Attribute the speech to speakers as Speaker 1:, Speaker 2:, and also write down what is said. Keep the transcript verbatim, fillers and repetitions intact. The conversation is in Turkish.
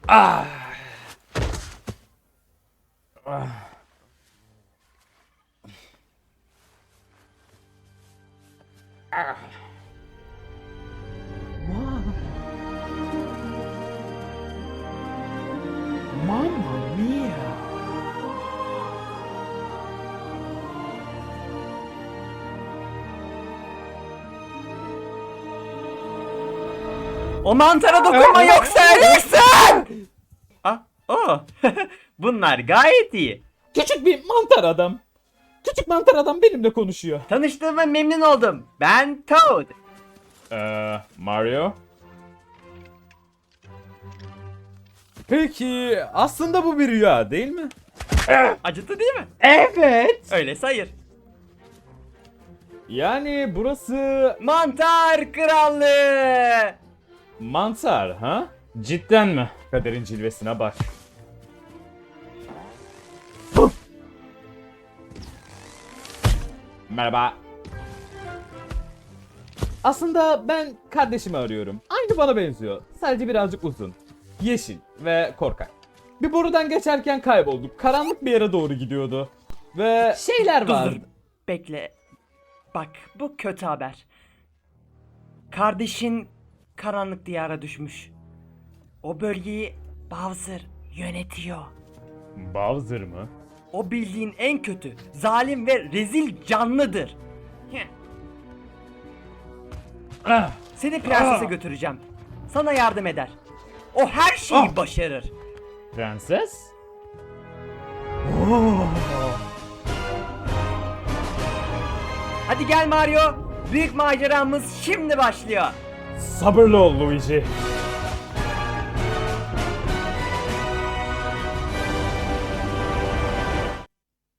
Speaker 1: Ah. Ah. Ah. Mamma mia.
Speaker 2: O mantara dokunma yoksa ölürsün! Ah, oh. Bunlar gayet iyi.
Speaker 1: Küçük bir mantar adam. Küçük mantar adam benimle konuşuyor.
Speaker 2: Tanıştığıma memnun oldum. Ben Toad.
Speaker 1: Eee Mario? Peki aslında bu bir rüya değil mi?
Speaker 2: Acıttı değil mi?
Speaker 1: Evet.
Speaker 2: Öyle sayır.
Speaker 1: Yani burası
Speaker 2: Mantar krallığı.
Speaker 1: mantar ha? Cidden mi? Kaderin cilvesine bak. Merhaba. Aslında ben kardeşimi arıyorum. Aynı bana benziyor. Sadece birazcık uzun. Yeşil ve korkak. Bir borudan geçerken kaybolduk. Karanlık bir yere doğru gidiyordu. Ve şeyler
Speaker 2: Dur
Speaker 1: var.
Speaker 2: dur. Bekle. Bak bu kötü haber. Kardeşin karanlık diyara düşmüş. O bölgeyi Bowser yönetiyor.
Speaker 1: Bowser mı?
Speaker 2: O bildiğin en kötü, zalim ve rezil canlıdır. Heh.
Speaker 1: Ah,
Speaker 2: Seni prensese
Speaker 1: Ah!
Speaker 2: götüreceğim. Sana yardım eder. O her şeyi
Speaker 1: Ah!
Speaker 2: başarır.
Speaker 1: prenses?
Speaker 2: Hadi gel Mario. Büyük maceramız şimdi başlıyor.
Speaker 1: Sabırlı ol Luigi.